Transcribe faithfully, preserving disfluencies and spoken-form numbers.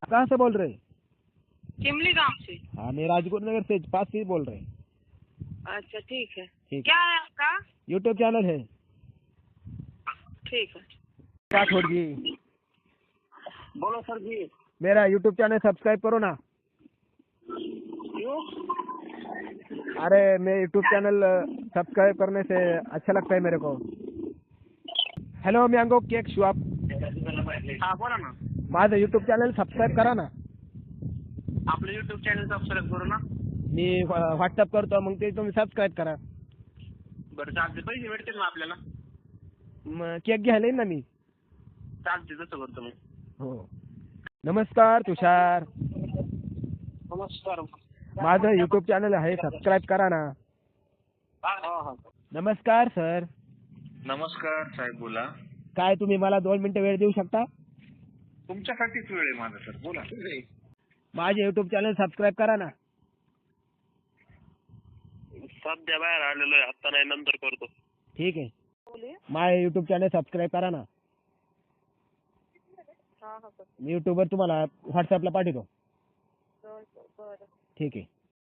कहाँ से बोल रहे? चिमली गांव से। हाँ, मैं राजगुरु नगर से पास से बोल रहे हैं। अच्छा ठीक है। ठीक। क्या है आपका? यूट्यूब चैनल है। ठीक है। राठौड़ जी, बोलो सर जी। मेरा यूट्यूब चैनल सब्सक्राइब करो ना। क्यों? अरे मैं यूट्यूब चैनल सब्सक्राइब करने से अच्छा लगता है मेरे को। हॅलो मँगो केक शॉप, हा बोला ना। माझं यूट्यूब चॅनल सबस्क्राईब करा ना। आपलं युट्यूब चॅनल सबस्क्राईब करू ना। मी व्हॉट्सअप करतो, मग ते तुम्ही सबस्क्राईब करा। बरं चालते, पैसे भेटतील ना आपल्याला? मग केक घ्यायला येईन ना मी। चालते, तसं करतो मी। हो। नमस्कार तुषार, नमस्कार। माझं यूट्यूब चॅनल आहे, सबस्क्राईब करा ना। हा हा नमस्कार सर। नमस्कार साहेब, बोला. काय तुम्ही मला दोन मिनिटं वेळ देऊ शकता? तुमच्यासाठीच वेळ आहे माझा सर, बोला. माझे यूट्यूब चॅनल सबस्क्राईब करा ना। सध्या बाहेर आलेलो आहे, आता नाही, नंतर करतो। ठीक आहे, माझे यूट्यूब चॅनल सबस्क्राईब करा ना। मी यूट्यूबवर तुम्हाला व्हॉट्सअपला पाठवतो। ठीक आहे।